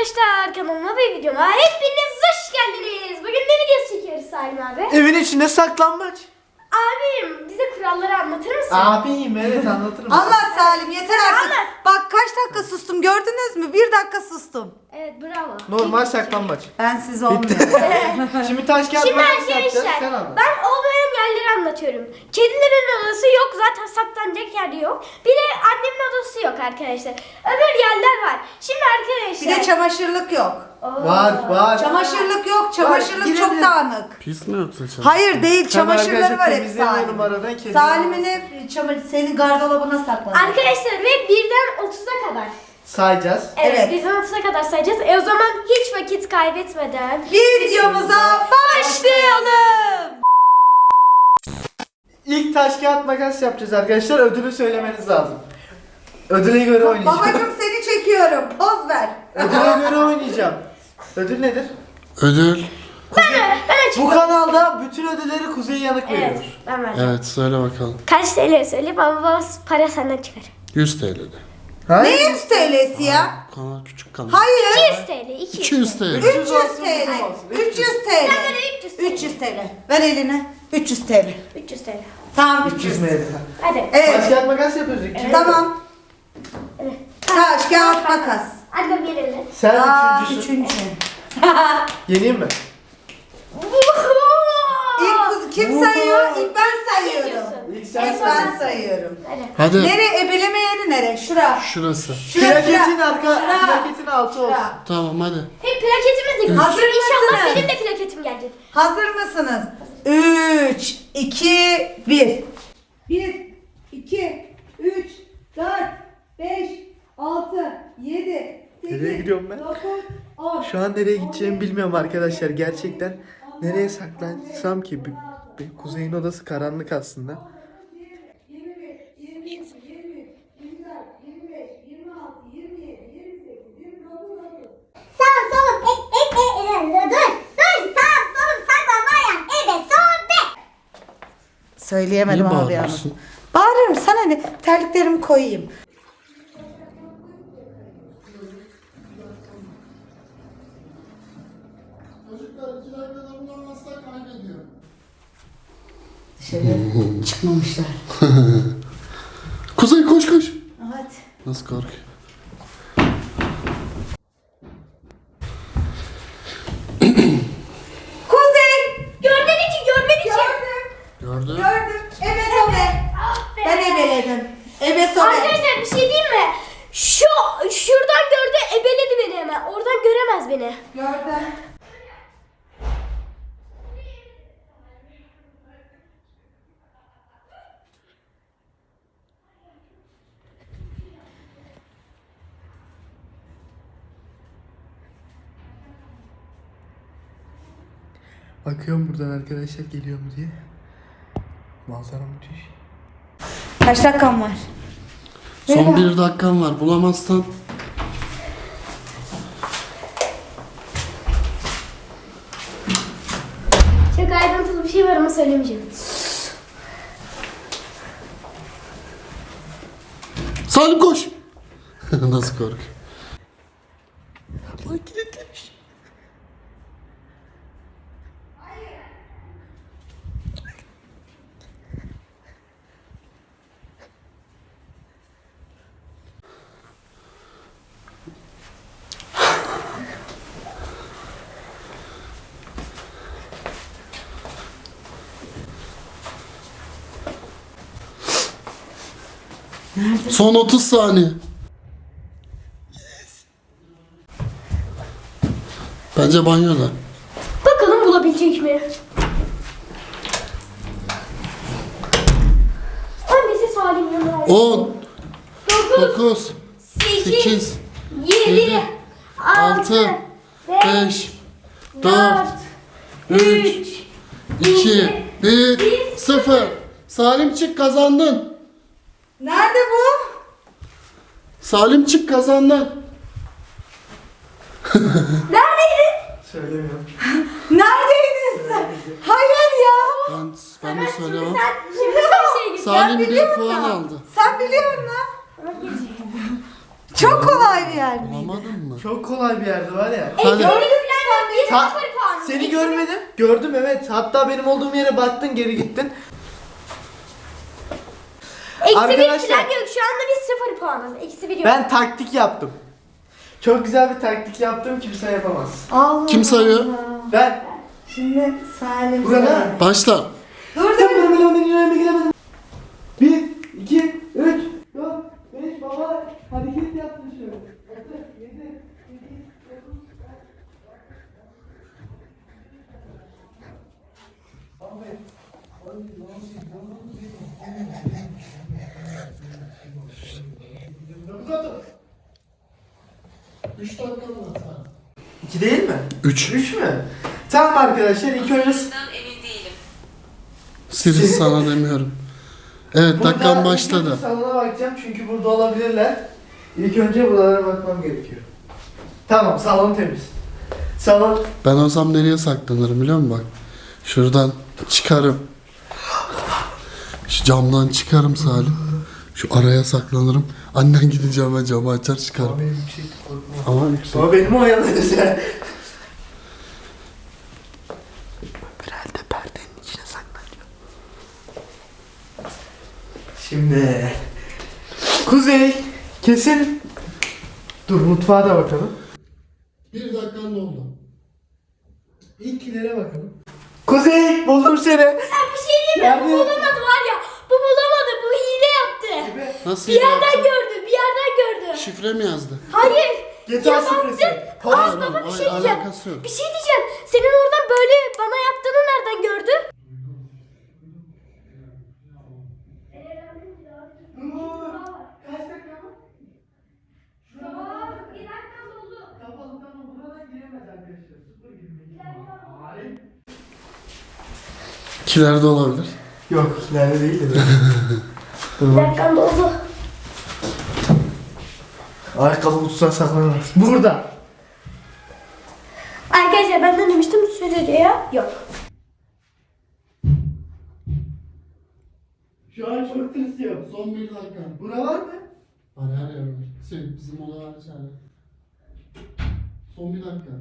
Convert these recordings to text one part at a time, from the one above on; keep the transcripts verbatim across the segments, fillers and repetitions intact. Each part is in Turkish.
arkadaşlar, kanalıma ve videoma hepiniz hoş geldiniz. Bugün ne videosu çekiyoruz Salim abi? Evin içinde saklambaç. Abim bize kuralları anlatır mısın? Abiyim, evet anlatırım. Allah Salim yeter artık. Anlat. Bak kaç dakika sustum gördünüz mü? Bir dakika sustum. Evet, bravo. Normal saklambaç. Ben siz olmuyorum. Şimdi taş kağıt Şimdi makas yapacağız. arkadaşlar Sen anlat. ben olmayan yerleri anlatıyorum. Kedilerin odası yok, zaten saklanacak yer yok. Bir de annemin odası yok arkadaşlar. Öbür yerler var. Şimdi Bir arkadaşlar. de çamaşırlık yok. Oo. Var var. Çamaşırlık yok. Çamaşırlık Var, çok girelim. dağınık. Pis mi yoksa çamaşır? Hayır değil. Tabii Çamaşırları arkadaşlar, var hep temizlemiyorum Salim. aradan, kedi Salim'in olmaz. hep çamaşır senin gardırobuna sakladı. Arkadaşlar ve birden otuza kadar. Sayacağız. Evet, Evet. birden otuza kadar sayacağız. E o zaman hiç vakit kaybetmeden Videomuza başlayalım. İlk taş kağıt makas yapacağız arkadaşlar. Ödülü söylemeniz lazım. Ödüle göre oynayacağım. Babacım seni çekiyorum. Poz ver. Ödüle göre oynayacağım. Ödül nedir? Ödül. ben, ben Bu açıklayayım. kanalda bütün ödülleri Kuzey Yanık Evet, veriyor. ben vereceğim. Evet söyle bakalım. Kaç T L söyleyeyim ama baba para senden çıkar. yüz T L'de. Ha? Ne yüz T L'si ya? Kanal küçük kanal. Hayır. iki yüz T L, iki yüz. iki yüz T L. üç yüz üç yüz olsun, T L. bizim olsun. üç yüz T Ben L. böyle üç yüz T L. üç yüz T L. Ver eline. üç yüz T L. üç yüz T L. Tamam üç üç yüz yüz. mi? Hadi. Taş Evet. kağıt makas yapıyoruz. İki Tamam. Evet. Taş, kağıt, makas. Annem gelirler. Sen Aa, üçüncüsün. üçüncü. Yeneyim mi? İlk kuz kim sayıyor? İlk ben sayıyorum. diyorsun? İlk sen İlk say. ben sayıyorum. Hadi. Hadi. Nere? Ebeleme yeri nere? Şura. Şurası. Şura. Plaketin şura. arka, Şura. plaketin altı olsun. Şura. Tamam hadi. Hep plaketimiz de Hazır İnşallah mısınız? benim de plaketim gelecek. Hazır mısınız? üç, iki, bir. bir, iki, üç, dört, beş, altı, yedi, Nereye gidiyorum ben? dokuz, on. Şu an nereye gideceğimi bilmiyorum arkadaşlar. Gerçekten nereye saklansam ki? Bir, bir Kuzey'in odası karanlık aslında. yirmi beş, yirmi iki, yirmi üç, yirmi dört, yirmi beş, yirmi altı, yirmi yedi, yirmi sekiz, yirmi dokuz, otuz. Sağım solum e e e e dur dur sağım solum saklanmayan ebe son be. Söyleyemedim Niye abi yalnız. bağırıyorsun? Bağırıyorum sana ne? Terliklerimi koyayım. Çocuklar iki dakikada bulamazsak kaybediyor. Dışarı çıkmamışlar. Kuzey koş koş. Evet. Nasıl korkuyor? Kuzey! Görmedi ki, görmedi ki. Gördüm. Gördün. Gördüm. Ebe sobe. Ah be. Ben ebeledim. Ebe sobe. Arkadaşlar bir şey diyeyim mi? Şu şuradan gördü, ebeledi beni hemen. Oradan göremez beni. Gördüm. Bakıyorum buradan arkadaşlar geliyor mu diye. Manzara müthiş. Kaç dakikam var? Son bir dakikan var. Bulamazsan Çok ayrıntılı bir şey var ama söylemeyeceğim. Salim koş. Nasıl korkuyor? Lan kilitlemiş. Son otuz saniye. Bence banyoda. Bakalım bulabilecek mi? Annesi Salim yanına. on, dokuz, dokuz, sekiz, sekiz, yedi, yedi, altı, altı, beş, beş, dört, üç, iki, bir, sıfır. Salim çık kazandın. Nerede bu? Salim çık kazandın. Neredeydin? Söylemiyorum. Neredeydin sen? Hayır ya. Ben, ben de söylemem. Sen şimdi sen şey git. Salim bir biliyor puan musun? aldı. Sen biliyor musun? Çok kolay bir yer miydi? Bulamadın mı? Çok kolay bir yerde var ya. Hadi. Gördüm falan yok. Bir Ta- sıfır puan. Seni görmedim. Gördüm evet. Hatta benim olduğum yere baktın geri gittin. Eksi bir Arkadaşlar- falan yok. Şu anda biz sıfır puanız. Eksi bir yok. Ben taktik yaptım. Çok güzel bir taktik yaptım, kimse yapamaz. Allah Kim sayıyor? Allah. Ben Şimdi Salim Burada. sayıyor. Başla. Dur dur. Sen benim önüme gireme giremedim. Bir, iki, üç, dört, beş, baba hareket yaptın şöyle. Altı, yedi, sekiz, dokuz, üç dakika var. İki değil mi? üç. Üç mü? Tamam arkadaşlar, ilk önce Sirius sana demiyorum. Evet, Burada dakikan ilk başladı. önce salona bakacağım çünkü burada olabilirler. İlk önce buralara bakmam gerekiyor. Tamam, salon temiz. Salon Ben olsam nereye saklanırım biliyor musun bak? Şuradan çıkarım. Şu camdan çıkarım Salim. Şu araya saklanırım. Annen gidince hemen camı açar çıkarım. benim yüksek korkum var. Ama yüksek. Ama benim o yanınız ya. Herhalde perdenin içine saklanıyor. Şimdi Kuzey kesin. Dur mutfağa da bakalım. Bir dakikan oldu. İlkilere bakalım. Kuzey buldum seni. Ya bir şey diyeyim mi? Yardım Bu et. bulamadı var ya. Bu bulamadı. Bu hile yaptı. Nasıl Bir yerden yaptın? gördü. Bir yerden gördü. Şifre mi yazdı? Hayır. G T A Ya şifresi. baktım. Hayır, Aa, hayır, baba bir şey hayır, diyeceğim. alakası yok. Bir şey diyeceğim. Senin oradan böyle bana yaptığını nereden gördün? Kaç dakika mı? Bir dakika oldu. Kapalı tamam buradan giremez arkadaşlar. Sıfır girmek. Hayır. İkilerde olabilir. Yok ileride değil de. Bir dakika oldu. Ayakkabı kutusuna saklanamaz. Burada. Arkadaşlar ben de demiştim stüdyoya. Yok. Şu an çok tırsıyorum. Son bir dakika. Bura var mı? Var her yer var. Şey, bizim oda var içeride. Son bir dakika.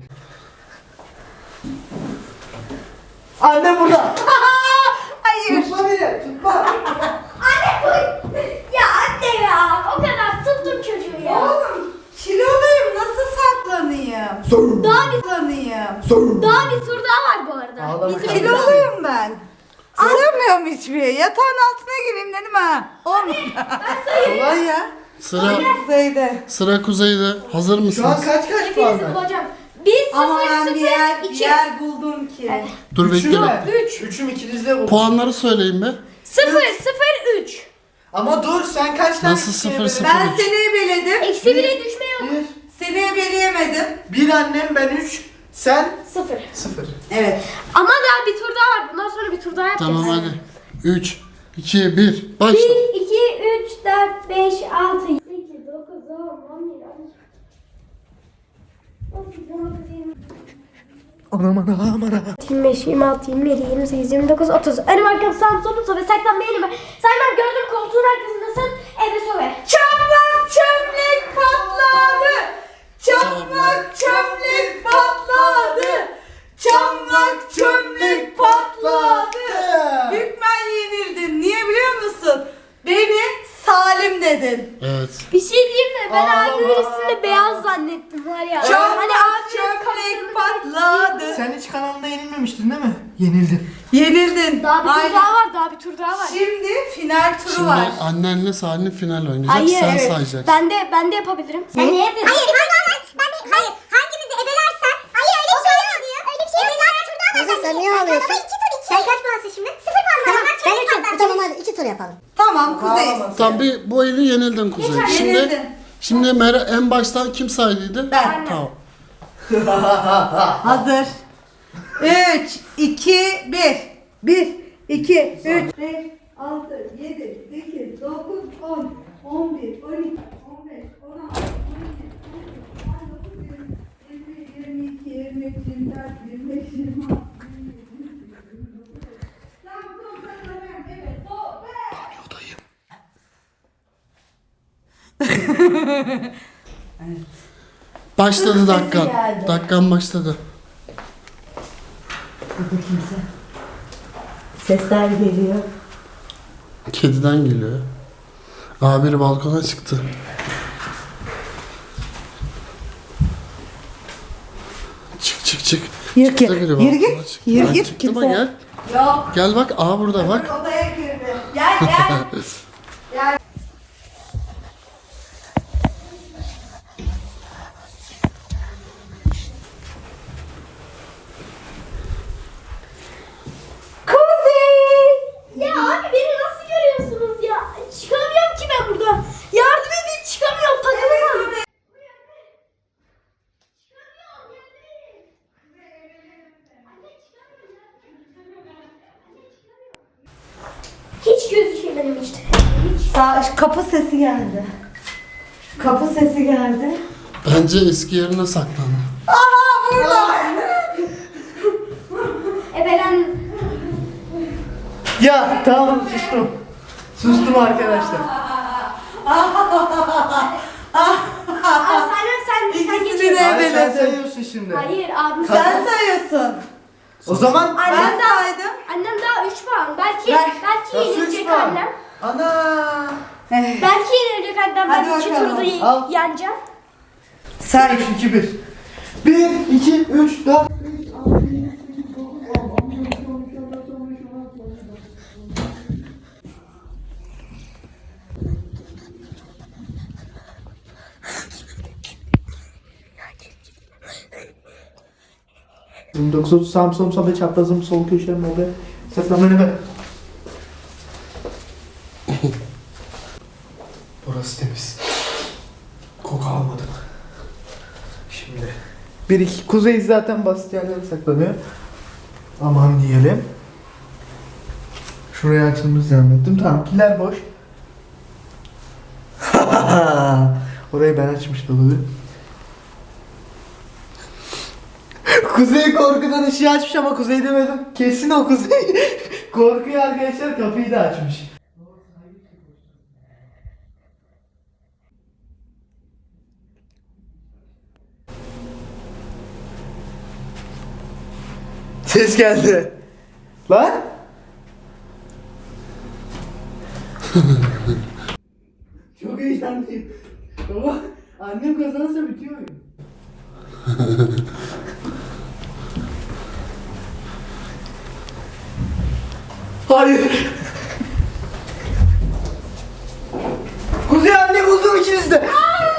Anne burada. Hayır. Tutma beni. Tutma. Anne koy. Ya anne ya. O kadar tuttum çocuğu ya. Oğlum kiloluyum nasıl saklanayım? Sorun. Daha bir, Saklanayım. Sorun. daha bir tur daha var bu arada. Ağlama Bizim kardeşim. Kiloluyum ben. Sığmıyorum hiçbir yere. Yatağın altına gireyim dedim ha. Olmadı. Kolay ya. Sıra Kuzeyde. sıra Kuzey'de. Hazır Şu an mısınız? kaç kaç Hepinizi puan var? bulacağım. Biz Ama sıfır ben bir sıfır yer, bir iki. yer buldum ki. Dur Üçü bekle mü? bekle. Üç. Üçüm ikinizde bu. Puanları söyleyin be. Sıfır sıfır üç. Ama dur sen kaç tane Nasıl ikiye sıfır, böldün? sıfır? Ben seni ebeledim. Eksi bire düşme yok. Bir. Seni ebeleyemedim. Bir annem ben üç. Sen Sıfır. sıfır. Evet. Ama daha bir tur daha var. Bundan sonra bir tur daha yapacağız. Tamam hadi. üç, iki, bir. Başla. bir, iki, üç, dört, beş, altı, sekiz, dokuz, on, on bir, on iki. on sekiz, on dokuz, yirmi. Anam anam anam. yirmi beş, yirmi altı, yirmi yedi, yirmi sekiz, yirmi dokuz, otuz. Önüm arkam sağım solum sobe saklanma elime. Saymam gördüm koltuğun arkasındasın. Eve sobe. Çamlak çömlek patladı. Çamlak çömlek patladı. Çamlak çömlek patladı. Hükmen yenildin. Niye biliyor musun? Beni Salim dedin. Evet. Bir şey diyeyim mi? Ben Aa. abimin üstünde beyaz zannettim var ya. Çamlak Hani abimin çömlek patladı. Sen hiç kanalında yenilmemiştin değil mi? Yenildin. Yenildin. Daha bir tur Aynen. daha var, daha bir tur daha var. Şimdi final turu Şimdi var. annenle Salim final oynayacak. Hayır, Sen evet. sayacaksın. Ben de ben de yapabilirim. Sen ne yapıyorsun? Hayır, hayır, hayır. Ben de, hayır. Hangimizi ebelersen. Hayır öyle bir şey yok. Öyle bir şey yok. Ebeler turda ama sen niye alıyorsun? iki tur iki. Sen kaç puansın şimdi? Sıfır puan. Tamam, ben üçüm. Tamam hadi iki tur yapalım. Tamam Kuzey. Ağlama. Tamam bir bu eli yenildin Kuzey. Şimdi Yenildin. şimdi Mer- en baştan kim saydıydı? Ben. Tamam. Hazır. üç, iki, bir. bir, iki, üç, beş, altı, yedi, sekiz, dokuz, on, on bir, on iki, on beş, on altı, on yedi, on sekiz, on dokuz, yirmi, yirmi iki, yirmi üç, yirmi dört, yirmi beş, yirmi altı, yirmi yedi, yirmi sekiz, yirmi dokuz. Tamam, son sayılarım. Evet, son. Başladı Sesi dakikan. geldi. Dakikan başladı. Burada kimse. Sesler geliyor. Kediden geliyor. Aa biri balkona çıktı. Çık çık çık. Yürü Çıktı git, biri yürü balkona git, çıktı. yürü Ha, git, çıktı mı? kimse- Gel. Yok. Gel bak. Aa burada bak. Odaya girdi. Gel gel. Gel. Kuzey. Ya abi beni nasıl görüyorsunuz ya? Çıkamıyorum ki ben buradan. Yardım edin, çıkamıyorum. Takılamam. Hiç gözükmedim işte. Hiç. Sağ, kapı sesi geldi. Kapı sesi geldi. Bence eski yerine saklandı. Aha burada. Ebelen. Ya tamam sustum. Sustum arkadaşlar. Aa, sen sen sen İkisini geçiyorsun. de- Hayır, sen Evet. sayıyorsun şimdi. Hayır abi Sen sen. sayıyorsun. O zaman Annem Ben daha, saydım. annem daha üç puan. Belki Ver. belki Nasıl üç yenilecek puan? annem. Ana. Eh, Belki yenilecek annem. Hadi Ben iki bakalım. turda ye- Al. yeneceğim. Say. üç, iki, bir. bir, iki, üç, dört. yirmi dokuz sağım solum sağ çaprazım sol köşem orada saklanmayı ver. Burası temiz. Koku almadım. Şimdi bir iki kuzey zaten basit yerlere saklanıyor. Aman diyelim. Şuraya açılmış zannettim. Tamam kiler boş. Orayı ben açmıştım olabilir. Kuzey korkudan ışığı açmış ama Kuzey demedim. Kesin o Kuzey. Korkuyor arkadaşlar, kapıyı da açmış. Ses geldi. Lan? Çok heyecanlıyım. Baba annem kazanırsa bitiyor oyun. Hayır. Kuzey anne buldum ikiniz de.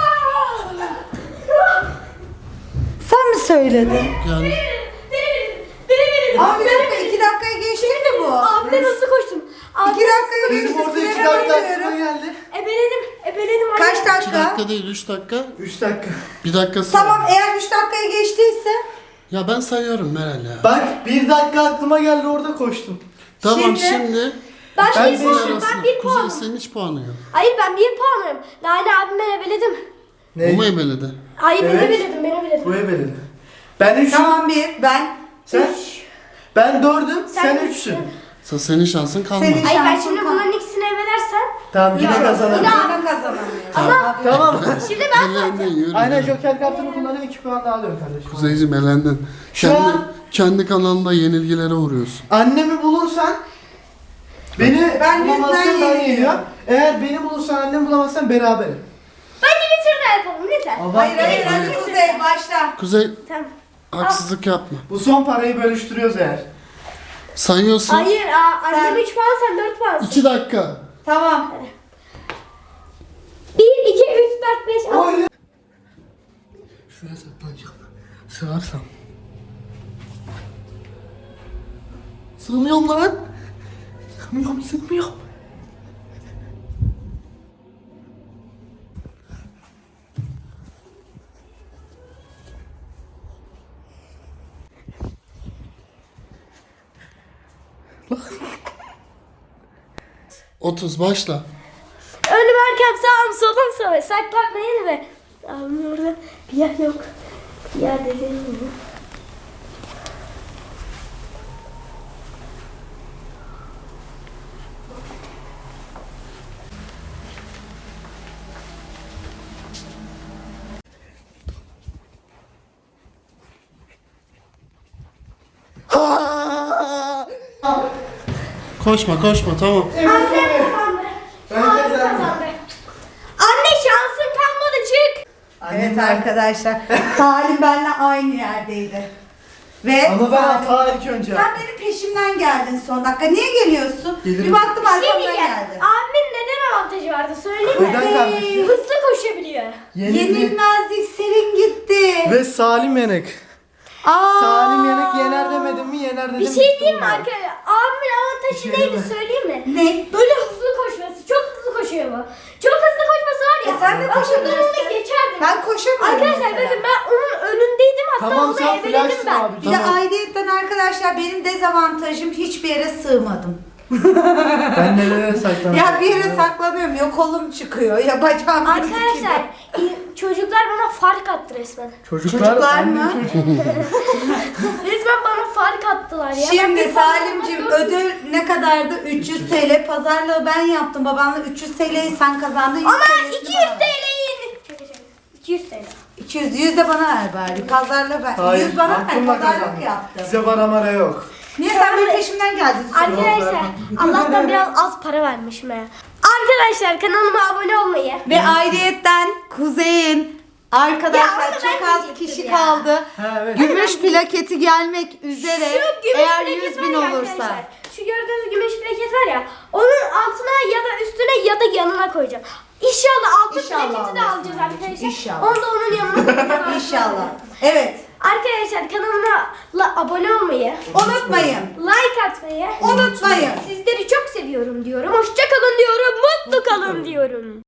Sen mi söyledin? Yani Abi bir dakika, iki dakikayı geçti mi bu? Abi ben hızlı koştum. Abi İki dakikayı Benim geçti. orada iki Süreme dakika aklıma bakıyorum. geldi. ebeledim. Ebeledim anne. Kaç iki dakika? dakika değil üç dakika. Üç dakika. Bir dakikası Tamam, var. eğer üç dakikayı geçtiyse. Ya ben sayıyorum Meral ya. Bak bir dakika aklıma geldi orada koştum. Tamam Şimdi- şimdi. Ben, Ben bir de puanım. arasında. Ben bir Kuzey puanım. senin hiç puanı yok. Hayır ben bir puanım. Lale abim ben ebeledim. Ne? O mu ebeledi? Hayır ben Evet. ebeledim. Ben ebeledim. Bu ebeledi. Ben üçüm. Tamam bir, ben. Sen? Ben dördüm. Sen, Sen üçsün. üçsün. Sa- Senin şansın kalmadı. Senin- Hayır ben Şansın şimdi kal- bunların ikisini ebelersen. Tamam yine Yok, kazanırım. yine- Ben kazanamıyorum. Ama Tamam. şimdi ben Elendin yürü. Aynen yürü. Joker kartını kullanıp iki puan daha alıyorum kardeşim. Kuzeyciğim elendin. Şu Kendi, an- kendi kanalında yenilgilere uğruyorsun. Annemi bulursan beni Ben bulamazsan yüzden ben yeniliyorum. geliyorum. Eğer beni bulursan annemi bulamazsan beraberim. bence bir tur daha yapalım lütfen. Hayır hayır, hadi Kuzey başla. Kuzey Tamam. haksızlık yapma. Bu son parayı bölüştürüyoruz eğer. Sayıyorsun. Hayır aa, Sen- annem üç puan sen dört puansın. iki dakika. Tamam. bir, iki, üç, dört, beş, altı. Oy. Şuraya saklanacağım. Sığarsam. Sığmıyorum lan. Sığmıyorum sığmıyorum. Otuz başla. Önüm arkam sağım solum sağım. Saklanmayın ve. Abi burada bir yer yok. Bir yer dediğim gibi. Koşma koşma tamam. Annem kazandı. Ben Abim kazandım. kazandı. Anne şansın kalmadı çık. Evet arkadaşlar. Salim benimle aynı yerdeydi. Ve Ama ben Salim- hata ilk önce Sen yaptım. benim peşimden geldin son dakika. Niye geliyorsun? Gelirim. Bir baktım Bir şey arkamdan diyeceğim. geldin. Abimin neden avantajı vardı söyleyeyim mi? Neden kardeşim? Hızlı koşabiliyor. Yenildi. Yenilmezlik senin gitti. Ve Salim Yenek. Aa. Salim Yenek yener demedim mi yener dedim. Bir şey bitti diyeyim mi olay. arkadaşlar? Abimin avantajı Bir şey neydi deme. söyleyeyim mi? Ne? Böyle hızlı koşması. Çok hızlı koşuyor bu. Çok hızlı koşması var ya. E sen de ben şuradan koşabilirsin. önüne geçerdim. Ben koşamıyorum Arkadaşlar mesela. bakın ben onun önündeydim hatta Tamam, onu sen eveledim flashsın ben. abi. Bir de Tamam. aidiyetten arkadaşlar benim dezavantajım hiçbir yere sığmadım. Ben nereye saklanıyorum? Ya bir yere saklanıyorum ya kolum çıkıyor ya bacağım Arkadaşlar gözüküyor. i- çocuklar bana fark attı resmen. Çocuklar, Çocuklar annem mı? çocuk. Resmen bana fark attılar ya. Ben Şimdi bir fark Salimcim atmak yok. ödül ne kadardı? üç yüz T L. Pazarlığı ben yaptım. Babanla üç yüz T L'yi sen kazandın. yüz Ama T L'sini iki yüz bana ver. T L'yi Şaka şaka. iki yüz T L. iki yüz, yüz de bana ver bari. Pazarlığı ben. Hayır, yüz bana ver. aklımla Pazarlık kazandım. yaptım. Bize para mara yok. Niye sen benim peşimden geldin? Arkadaşlar Allah'tan biraz az para vermişim ya. Arkadaşlar kanalıma abone olmayı. Ve ayrıyetten Kuzey'in arkadaşlar Ya onu çok ben az diyecektim kişi ya. kaldı. Ha, evet. Gümüş plaketi gelmek üzere. Şu gümüş Eğer plaket yüz var bin ya olursa. arkadaşlar, Şu gördüğünüz gümüş plaket var ya. Onun altına ya da üstüne ya da yanına koyacağım. İnşallah altın İnşallah plaketi de alırsın alacağız anneciğim, arkadaşlar. inşallah. Onu da onun yanına koyacağım. İnşallah. Evet. Arkadaşlar kanalıma la- abone olmayı, Unutmayın. like atmayı Unutmayın. Sizleri çok seviyorum diyorum. Hoşça kalın diyorum. Mutlu kalın diyorum.